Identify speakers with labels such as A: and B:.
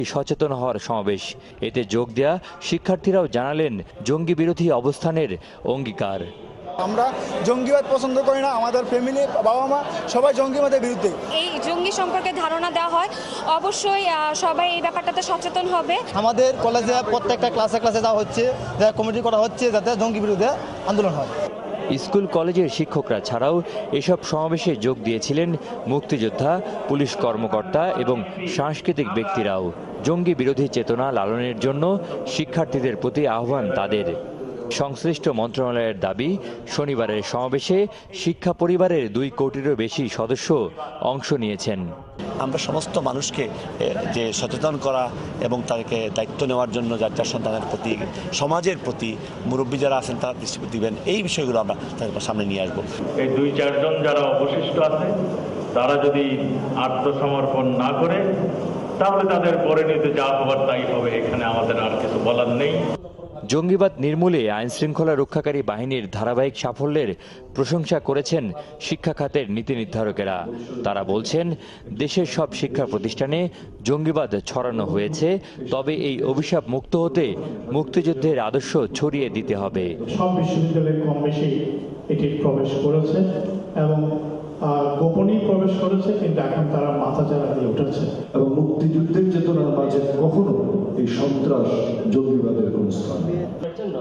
A: সচেতন হওয়ার সমাবেশ। এতে যোগ দেয়া শিক্ষার্থীরাও জানালেন জঙ্গি বিরোধী অবস্থানের অঙ্গীকার।
B: আমরা জঙ্গিবাদ পছন্দ করি না, আমাদের ফ্যামিলি বাবা মা সবাই জঙ্গিবাদের বিরুদ্ধে।
C: এই জঙ্গি সম্পর্কে ধারণা দেওয়া হয়, অবশ্যই সবাই এই ব্যাপারটাতে সচেতন হবে।
D: আমাদের কলেজে প্রত্যেকটা ক্লাসে যাওয়া হচ্ছে, কমিটি করা হচ্ছে যাতে জঙ্গি বিরুদ্ধে আন্দোলন হয়।
A: স্কুল কলেজের শিক্ষকরা ছাড়াও এসব সমাবেশে যোগ দিয়েছিলেন মুক্তিযোদ্ধা, পুলিশ কর্মকর্তা এবং সাংস্কৃতিক ব্যক্তিরাও। জঙ্গি বিরোধী চেতনা লালনের জন্য শিক্ষার্থীদের প্রতি আহ্বান তাদের। সংশ্লিষ্ট মন্ত্রণালয়ের দাবি, শনিবারের সমাবেশে শিক্ষা পরিবারের 2 কোটিরও বেশি সদস্য অংশ নিয়েছেন।
E: আমরা সমস্ত মানুষকে যে সচেতন করা এবং তাদেরকে দায়িত্ব নেওয়ার জন্য যার যার সন্তানের প্রতি, সমাজের প্রতি মুরব্বী যারা আছেন তারা দৃষ্টি দিবেন, এই বিষয়গুলো আমরা তাদের সামনে নিয়ে আসবো।
F: এই 2-4 জন যারা অবশিষ্ট আছে তারা যদি আত্মসমর্পণ না করে তাহলে তাদের পরিণতি যা হবার তাই হবে। এখানে আমাদের আর কিছু বলার নেই।
A: জঙ্গিবাদ নির্মূলে আইনশৃঙ্খলা রক্ষাকারী বাহিনীর ধারাবাহিক সাফল্যের প্রশংসা করেছেন শিক্ষা খাতের নীতি নির্ধারকেরা। তারা বলছেন, দেশের সব শিক্ষা প্রতিষ্ঠানে জঙ্গিবাদ ছড়ানো হয়েছে, তবে এই অভিশাপ মুক্ত হতে মুক্তিযুদ্ধের আদর্শ ছড়িয়ে দিতে হবে।
G: সব বিশ্ববিদ্যালয়ে কম বেশি এটি প্রবেশ করেছে এবং গোপনেই প্রবেশ করেছে, কিন্তু এখন তারা মাথা চারা দিয়ে উঠেছে।
H: এবং মুক্তিযুদ্ধের চেতনার মাঝে কখনো এই সন্ত্রাস জঙ্গিবাদের কোন স্থান নেই।